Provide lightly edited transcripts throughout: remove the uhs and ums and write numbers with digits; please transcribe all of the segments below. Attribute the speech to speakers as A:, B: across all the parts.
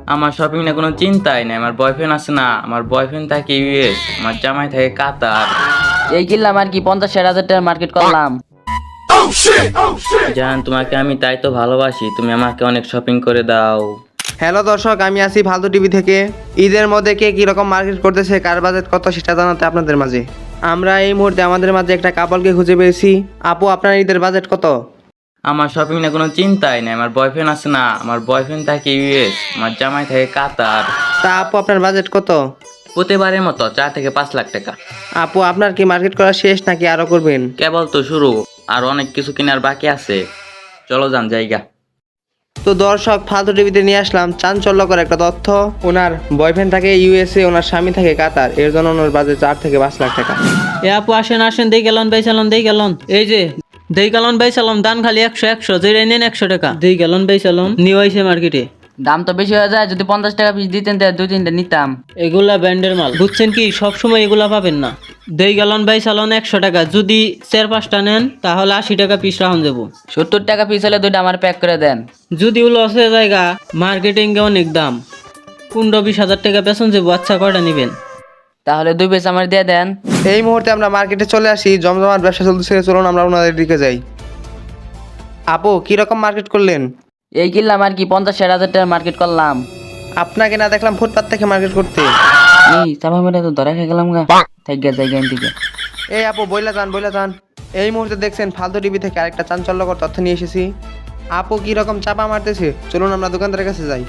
A: আমার শপিং না কোনো চিন্তাই নাই। আমার বয়ফ্রেন্ড আছে না, আমার বয়ফ্রেন্ড থাকে ইউএস, আমার জামাই থাকে কাতার।
B: এই কিনলাম আর কি 50-60 হাজার টাকার মার্কেট করলাম।
A: জান, তোমাকে আমি তাই তো ভালোবাসি, তুমি আমাকে অনেক শপিং করে দাও।
C: হ্যালো দর্শক, আমি আছি ফালতু টিভি থেকে। ঈদের মধ্যে কে কীরকম মার্কেট করতেছে, কার বাজেট কত সেটা জানাতে আপনাদের মাঝে। আমরা এই মুহূর্তে আমাদের মাঝে একটা কাপলকে খুঁজে পেয়েছি। আপু, আপনার ঈদের বাজেট কত?
A: আমার শপিং না কোনো চিন্তাই নাই। আমার বয়ফ্রেন্ড আছে না, আমার বয়ফ্রেন্ড থাকে ইউএস, আমার জামাই থাকে কাতার।
C: তা আপু, আপনার বাজেট কত?
A: প্রতিবারের মতো 4 থেকে 5 লাখ টাকা।
C: আপু, আপনার কি মার্কেট করা শেষ নাকি আরো করবেন?
A: কেবল তো শুরু, আর অনেক কিছু কেনার বাকি আছে। চলো যান জায়গা।
C: তো দর্শক, ফালতু টিভিতে নিয়ে আসলাম চাঞ্চল্যকর একটা তথ্য। ওনার বয়ফ্রেন্ড থাকে ইউএসএ, ওনার স্বামী থাকে কাতার, এর জন্য ওনার বাজেট 4 থেকে 5 লাখ টাকা।
D: এ আপু আসেন আসেন, দেই গেলন ভাই চালন, দেই গেলন। এই যে দেই গেলন ভাই চালন, দান খালি 100 যেটা নেন 100 টাকা। দেই গেলন ভাই চালন নিয়ে আইছে মার্কেটে।
B: দাম তো বেশি হয়ে যায়, যদি 50 টাকা পিস দিতেন তাহলে 2-3টা নিতাম।
D: এগুলা ব্র্যান্ডের মাল, বুঝছেন কি? সবসময় এগুলা পাবেন না। দেই গেলন ভাই চালন 100 টাকা, যদি 4-5টা নেন তাহলে 80 টাকা পিস রাখুন যাবো।
B: 70 টাকা পিস হলে 2টা আমার প্যাক করে দেন।
D: যদি লস হয়ে জায়গা, মার্কেটিং এ অনেক দাম, 15-20 হাজার টাকা বেতন যাবো। আচ্ছা, কয়টা নিবেন?
B: তাহলে 2 পিস আমার দিয়ে দেন।
C: এই মুহূর্তে আমরা মার্কেটে চলে আসি, জমজমাট ব্যবসা চলতেছে। চলুন আমরা ওনাদের দিকে যাই। আপু, কিরকম মার্কেট করলেন?
B: এই কিনলাম আর কি 50-60 হাজার টাকার মার্কেট করলাম।
C: আপনাকে না দেখলাম ফুটপাত থেকে মার্কেট করতে।
B: এই চাপা মেরে তো ধরা খেয়ে গেলাম গা। থাক গা জায়গা থেকে।
C: এই আপু, বইলা যান। এই মুহূর্তে দেখছেন ফালতু টিভি থেকে আরেকটা চাঞ্চল্যকর তথ্য নিয়ে এসেছি। আপু কিরকম চাপা মারতেছে, চলুন আমরা দোকানদারের কাছে যাই।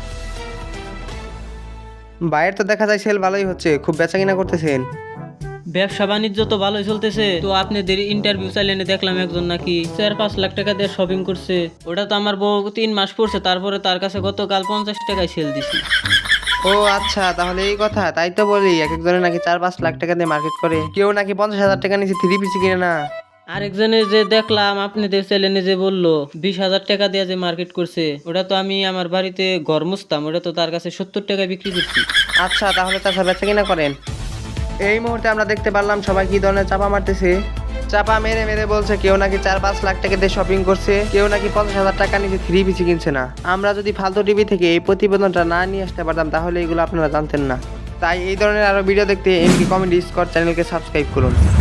C: বাইরের তো দেখা যায় সেল ভালোই হচ্ছে, খুব বেচা কিনা করতেছেন।
D: ব্যবসা বাণিজ্য তো ভালোই চলতেছে। তো আপনাদের ইন্টারভিউ চাইলেনে দেখলাম একজন নাকি 4-5 লাখ টাকা দিয়ে শপিং করছে। ওটা তো আমার বউ 3 মাস পড়ছে, তারপরে তার কাছে গতকাল 50 টাকায় সেল দিছি।
C: ও আচ্ছা, তাহলে এই কথা। তাই তো বলি, এক একজনের নাকি 4-5 লাখ টাকা দিয়ে মার্কেট করে, কেউ নাকি 50,000 টাকা নিচে 3 পিস কিনে না।
D: আরেকজনে যে দেখলাম আপনাদের চ্যানেলে যে বললো 20,000 টাকা দিয়ে যে মার্কেট করছে, ওটা তো আমি আমার বাড়িতে ঘর মুছতাম, ওটা তো তার কাছে 70 টাকায় বিক্রি করছি।
C: আচ্ছা, তাহলে চাচা বেচা কিনা করেন। এই মুহূর্তে আমরা দেখতে পারলাম সবাই কি ধরনের চাপা মারতেছে। চাপা মেরে মেরে বলছে কেউ নাকি 4-5 লাখ টাকা দিয়ে শপিং করছে, কেউ নাকি 50,000 টাকা নিচে 3 পিস কিনছে না। আমরা যদি ফালতু টিভি থেকে এই প্রতিবেদনটা না নিয়ে আসতে পারতাম তাহলে এগুলো আপনারা জানতেন না। তাই এই ধরনের আরো ভিডিও দেখতে এমপি কমেডি স্কোয়াড চ্যানেলকে সাবস্ক্রাইব করুন।